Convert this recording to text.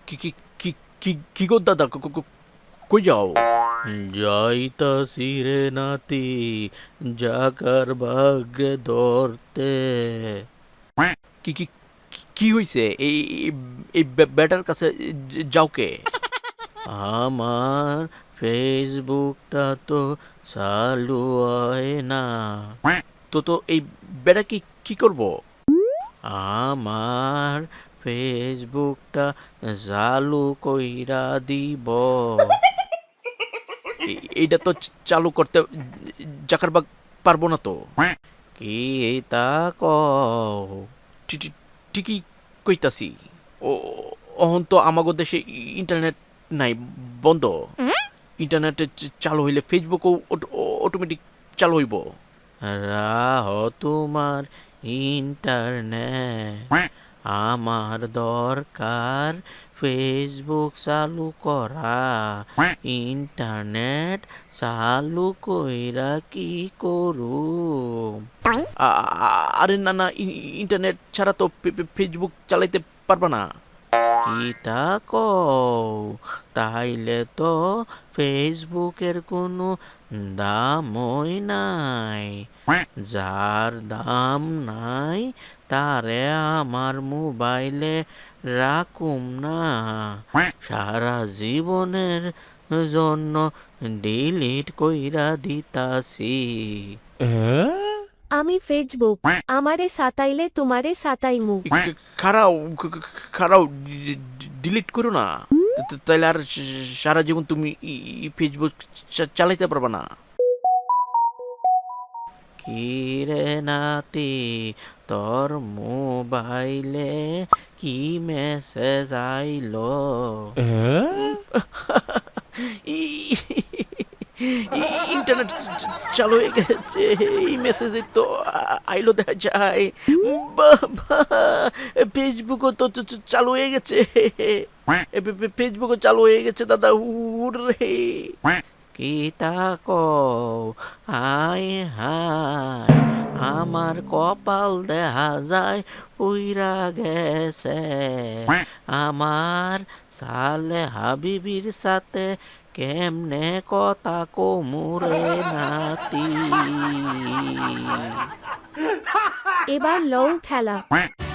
কি কি কি কি কি গো দাদা, কই যাও? যাইতাছি রে নাতি, জাকার ভাগ্যে ধরতে। কি কি কি হইছে? এই এই ব্যাটার কাছে যাও কে? আমার ফেসবুকটা তো চালু হয় না। তো এই ব্যাটা কি কি করব? আমার ফেসবুকটা চালু কইরা দিব। এইটা তো চালু করতে জাকারবাগ পারবো না তো। কি তা কও? ঠিকই কইতাছি। ও, অহন তো আমাগো দেশে ইন্টারনেট নাই, বন্ধ। ইন্টারনেট চালু হইলে ফেসবুকও অটোমেটিক চালু হইব। রাহ তোমার ইন্টারনেট, আমার দরকার ফেসবুক চালু করা। ইন্টারনেট চালু কইরা কি করু? আরে না না, ইন্টারনেট ছাড়া তো ফেসবুক চালাইতে পারবা না। কি তা কও? তাইলে তো ফেসবুকের কোনো দামই নাই। যার দাম নাই তারে আমার মোবাইলে রাখুম না, সারা জীবনের জন্য ডিলিট কইরা দিতাছি। আমি ফেসবুক, আমারে সাতাইলে তোমারে সাতাইমু। খারাও খারাও, ডিলিট করো না। তাইলে আর সারা জীবন তুমি ফেসবুক চালাইতে পারবা না। কি রে নাতি, তোর মোবাইলে কি মেসেজ আইলো? ইন্টারনেট চালু হয়ে গেছে, এই মেসেজে তো আইলো দেখা যায়। বাবা, ফেসবুকও তো চালু হয়ে গেছে। ফেসবুকও চালু হয়ে গেছে দাদা, হুররে। কি তা কও? হায় হায়, আমার কপাল দেখা যায় পুইরা গেছে। আমার সালে হাবিবির সাথে কেমনে কথা কমুরে নাতি। এবার লও খেলা।